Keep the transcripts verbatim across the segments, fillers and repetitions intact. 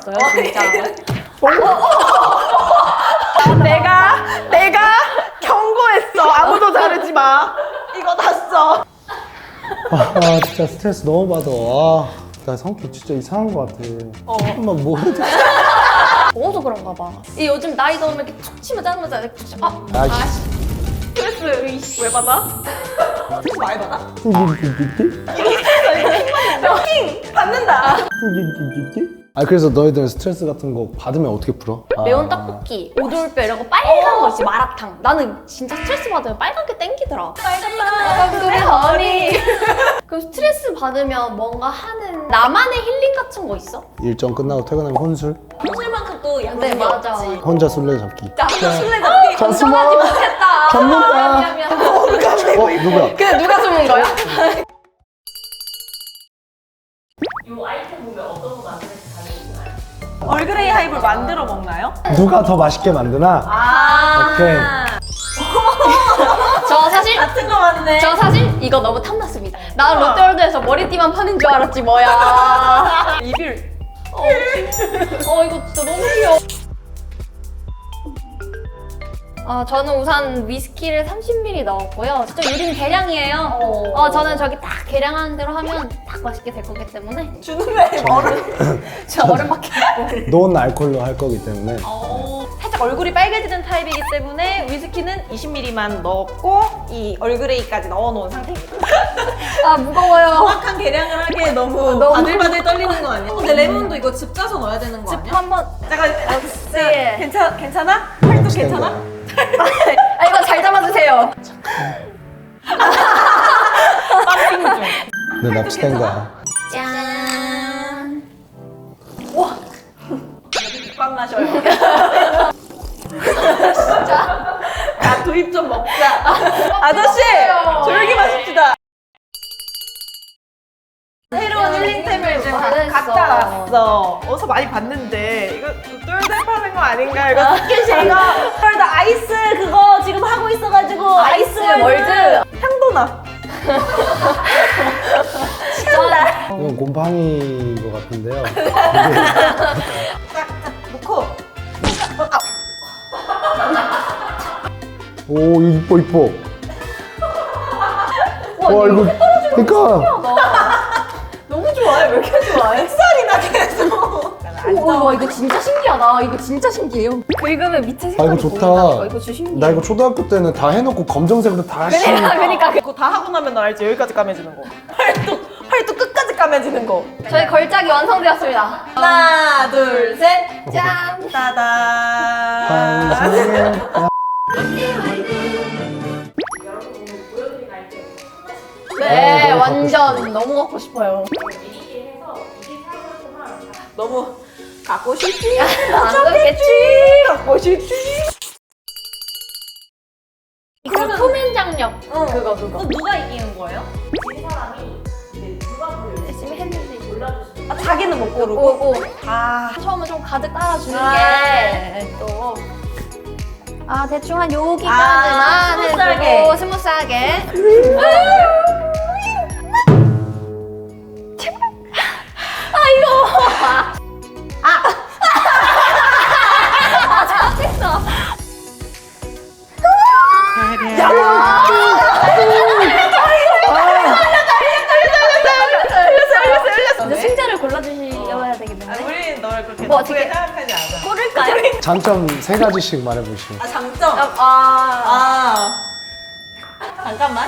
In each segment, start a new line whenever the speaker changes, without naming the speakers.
알았어요, 진짜.
내가 내가 경고했어. 아무도 자르지 마. 이거 다 써.
아 진짜 스트레스 너무 받아. 아, 나 성격 진짜 이상한 것 같아.
어.
한번 뭐 해도
먹어서 그런가 봐. 이 요즘 나이 먹으면 이렇게 툭 치면 짜증나자. 이렇게 툭 치- 아,
아이씨.
아씨.
스트레스 이씨, 왜 받아? 스트레스 많이 받아? 킹 받는다.
아 그래서 너희들 스트레스 같은 거 받으면 어떻게 풀어? 아,
매운 떡볶이, 오돌뼈 이런 거 빨간 거 있지, 마라탕. 나는 진짜 스트레스 받으면 빨간 게 땡기더라. 빨간 마라탕 허니. 그럼 스트레스 받으면 뭔가 하는 나만의 힐링 같은 거 있어?
일정 끝나고 퇴근하면 혼술?
혼술만큼 또
네,
양심이
맞아.
없지.
혼자 술래잡기.
나 술래잡기.
가슴아
못했다.
잡는다.
미안, 미안.
어 누구야?
근데 누가 숨은 거야?
얼그레이 하이볼 만들어 먹나요?
누가 더 맛있게 만드나?
아.
오케이.
저 사실
같은 거 맞네.
저 사실 이거 너무 탐났습니다. 나 롯데월드에서 머리띠만 파는 줄 알았지 뭐야.
이빌.
어, 어 이거 진짜 너무 귀여워. 어, 저는 우선 위스키를 삼십 밀리리터 넣었고요. 진짜 유린 계량이에요.
어.
어, 저는 저기 딱 계량하는 대로 하면 딱 맛있게 될 거기 때문에
주는 왜 얼음?
저 얼음밖에 안
논 알콜로 할 거기 때문에.
어, 살짝 얼굴이 빨개지는 타입이기 때문에 위스키는 이십 밀리리터만 넣었고 이 얼그레이까지 넣어놓은 상태입니다.
아 무거워요.
정확한 계량을 하기에 너무,
너무-
바들바들 떨리는 거 아니야? 근데 레몬도 이거 즙 짜서 넣어야 되는 거 아니야?
한번
잠깐,
네.
괜찮, 괜찮아? 팔도 괜찮아?
아 이거 잘 잡아주세요.
ปั๊핑 중.
내 납치된 거야.
짠.
와! 국밥 마셔요.
진짜?
야, 두입 좀 먹자. 아저씨!
먹어요.
조용히 마십시다. 새로운 힐링템을 지금 각-
잘했어.
각자 나왔어. 어디서 많이 봤는데 이거 똘똘 파는 거 아닌가? 이거 스킨십 이거 똘똘 아이스 그거 지금 하고 있어가지고
아이스
아이스
월드.
향도 나.
진짜.
이건 곰팡이인 것 같은데요.
딱 놓고
오 이뻐 이뻐. 와 이거 그러니까
너무 좋아해. 왜 이렇게 좋아해? 햇살이 나 계속.
오, 와 이거 진짜 신기하다. 이거 진짜 신기해요. 긁으면 밑에
아
색깔이
이거 좋다.
보인다니까. 이거 진짜 신기해.
나 이거 초등학교 때는 다 해놓고 검정색으로 다 씌.
그러니까 그러니까.
그거 다 하고 나면 너 알지? 여기까지 까매지는 거. 팔뚝 팔뚝 끝까지 까매지는 거.
저희 걸작이 완성되었습니다.
하나 둘 셋.
짠.
따단.
환상의
네,
네, 너무
완전 너무 갖고 싶어요.
너무 갖고 싶지?
안 그렇겠지?
갖고 싶지?
이거 표면 장력.
어.
그거 그거.
누가 이기는 거예요?
열심히 했는데 몰라주시고.
아, 자기는 못 고르고.
오고.
아,
처음에 좀 가득 따라주는
아.
게 또. 아 대충 한 여기까지만
아, 스무스하게.
해주고 스무스하게. 제발. 아 이거. 아. 아 잘했어. 이제 승자를 골라주셔야 되겠는데.
우리 널 그렇게
뭐
나쁘게
어떻게-
생각하지 않아.
고를까요?
장점 세 가지씩 말해보시오.
아, 장점?
아,
아. 잠깐만.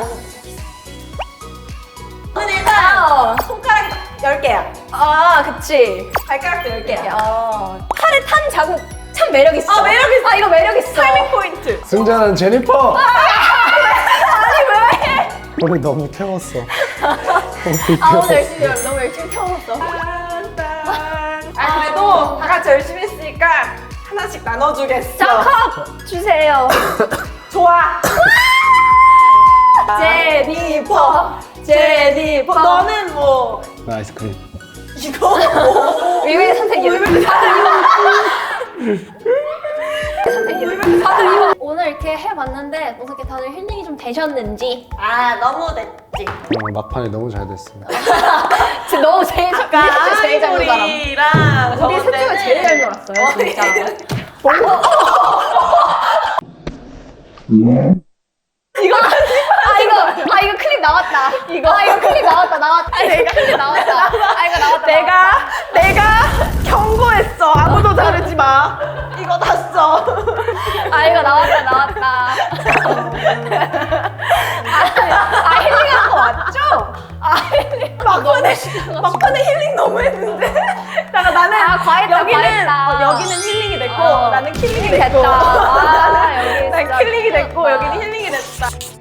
저는 일단
아,
손가락이 열 개야.
아, 그치.
발가락도 열 개야.
야, 팔에 탄 자국 참 매력 있어.
아, 매력 있어.
아, 이거 매력 있어.
타이밍 포인트.
승자는 제니퍼.
아니 왜?
우리 너무 태웠어. 너무
아 오늘
태웠어.
열심히 너무 열심히 태워봤어.
아, 그래도 다 같이 열심히 했으니까 하나씩 나눠주겠어.
자, 컵 주세요.
좋아.
제니퍼, 제니퍼.
너는 뭐
나 아이스크림.
이거 뭐?
의외의 선택이야. 선택이야. 다들 이거 오늘 이렇게 해봤는데 어떻게 다들 힐링이 좀 되셨는지.
아, 너무 됐지.
어, 막판이 너무 잘 됐어.
지금 너무 제일 잘, 제일 잘 보잖아.
아이보리랑
우리 셋 중에 제일 알았어요 진짜.
이거
아 이거 아 이거 클릭 나왔다. 이거 아 이거 클릭 나왔다 나왔다. 아 이거 클릭 나왔다. 아 이거 나왔다.
내가 내가 경고했어. 아무도 자르지 마. 이거 다 써.
아 이거 나왔다 나왔다. 아, 아 힐링한 거 맞죠? 아 힐링.
막판에 막판에 힐링 너무 했는데. 나가 나는
아, 과했다,
여기는
과했다.
어, 여기는 힐링이 됐고
어.
나는 킬링이
힐링
됐고.
됐다. 아, 여기
난
진짜
킬링이 됐고
힐링
여기는 힐링이 됐다.